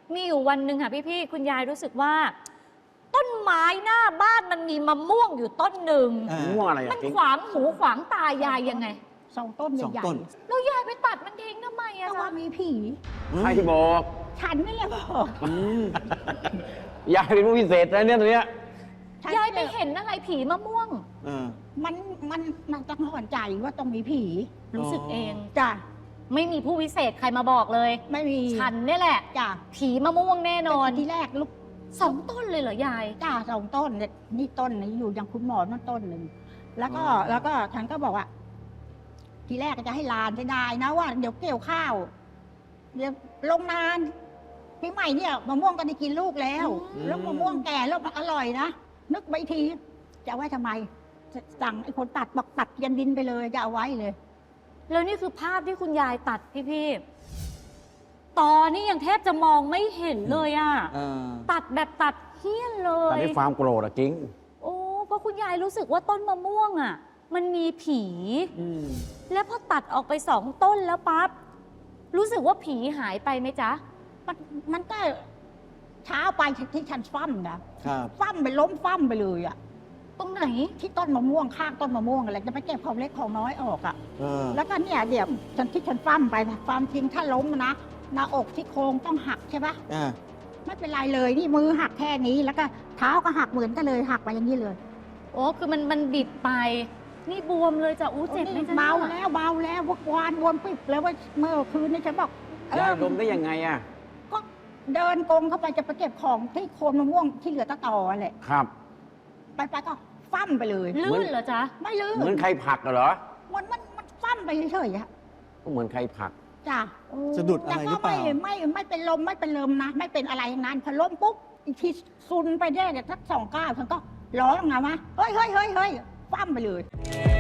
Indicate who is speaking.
Speaker 1: มีอยู่วันหนึ่งค่ะพี่ๆคุณยายรู้สึกว่า ต้นไม้หน้าบ้านมันมีมะม่วงอยู่ต้นหนึ่ง
Speaker 2: ม่วงอะไร
Speaker 1: มันขวางหูขวางตายายยังไง
Speaker 3: 2 ต้น
Speaker 2: 2
Speaker 3: ใหญ่
Speaker 2: ต้น
Speaker 1: แล้วยายไปตัดมันทิ้งทำไม
Speaker 3: ๆ
Speaker 1: อะ
Speaker 3: ก็ว่า
Speaker 1: จ๊ะ
Speaker 3: มีผี
Speaker 2: ใครบอก
Speaker 3: ฉันนี่แหละบอก
Speaker 4: ยายเป็นผู้พิเศษนะเนี่ยตัวเนี้ย
Speaker 3: ฉัน
Speaker 1: ยายไป
Speaker 3: นี่แหละ
Speaker 1: เห็นอะไรผีมะม่วง
Speaker 2: เออ
Speaker 3: มันต้องหอนใจว่าต้องมีผี
Speaker 1: รู้สึกเอง
Speaker 3: จ้ะ
Speaker 1: ไม่มีผู้วิเศษใครมาบอกเลย
Speaker 3: ไม่มี
Speaker 1: ฉันเนี่ยแหละ
Speaker 3: จ้ะ
Speaker 1: ผีมะม่วงแน่นอน
Speaker 3: ที่แรกลูก
Speaker 1: 2 ต้นเลยเหรอยาย
Speaker 3: จ้า2 ต้นเนี่ยนี่ต้นนี้อยู่ยังคุณหมอนั่นต้นหนึ่งแล้วก็ฉันก็บอกว่า ทีแรกก็จะให้หลานจะได้นะว่าเดี๋ยวเกี่ยวข้าว เดี๋ยวลงนานพี่ใหม่เนี่ยมะม่วงก็ได้กินลูกแล้ว
Speaker 2: อืม
Speaker 3: แล้วมะม่วงแก่แล้วมันอร่อยนะนึกไปที จะเอาไว้ทำไมสั่งไอ้คนตัดบอกตัดยันดินไปเลยจะเอาไว้เลย
Speaker 1: แล้วนี่คือภาพที่คุณยายตัดพี่ๆตอนนี้ยังแทบจะมองไม่เห็นเลยอะ
Speaker 2: เออ
Speaker 1: ตัดแบบตัดเฮี้ยนเล
Speaker 4: ตอน
Speaker 1: ย
Speaker 4: นี้ความโกรธอะกิ้ง
Speaker 1: โอ้เพราะคุณยายรู้สึกว่าต้นมะม่วงอะมันมีผี
Speaker 2: อืม
Speaker 1: แล้วพอตัดออกไป2 ต้นแล้วปั๊บรู้สึกว่าผีหายไปไหมจ๊ะ
Speaker 3: มันก็เช้าไปที่ฉันฟั่มนะครับ ฟั่มไปล้มฟั่มไปเลยอ่ะ
Speaker 1: ตรงไหน
Speaker 3: ที่ต้นมะม่วงข้างต้นมะม่วงอะไรจะไปเก็บของเล็กของน้อยออกอ่ะ
Speaker 2: เออ
Speaker 3: แล้วก็เนี่ยเดี๋ยวฉันฟั่มไปนะความจริงถ้าล้มนะหน้าอกที่โครงต้องหักใช่ปะ
Speaker 2: อ่า
Speaker 3: ไม่เป็นไรเลยนี่มือหักแค่นี้แล้วก็เท้าก็หักเหมือนกันเลยหักไปอย่างนี้เลย
Speaker 1: โอ้คือมันบิดไป นี่บวมเลยจ้ะอู้เจ็บไหมจ๊ะ
Speaker 3: เบา
Speaker 1: นี่ย
Speaker 3: แล้วเบาแล้ววานวนปิบแล้วว่าเมื่อคืนนี้ฉันบอก
Speaker 4: ยายดมได้ยังไงอะ
Speaker 3: ก็เดินกงเข้าไปจะไปเก็บของที่โคนมะม่วงที่เหลือตะต่อแหละ
Speaker 4: ครับ
Speaker 3: ไปก็ฟั่มไปเลย
Speaker 1: ลื่นเหรอจ๊ะ
Speaker 3: ไม่ลื่น
Speaker 4: เหมือนใครผลักเหรอ
Speaker 3: มันฟั่มไปเฉยๆอะ
Speaker 4: ก็เหมือนใครผลัก
Speaker 3: จ้ะ
Speaker 2: สะดุดอะไรหรือเปล่า
Speaker 3: แต่ก็ไม่เป็นลมไม่เป็นลมนะไม่เป็นอะไรทั้งนั้นพอล้มปุ๊บอีกทีซุนไปได้เนี่ยสัก2 ก้าวฉันก็ร้องออกมาวะเฮ้ยฟั่มไปเลย
Speaker 2: เ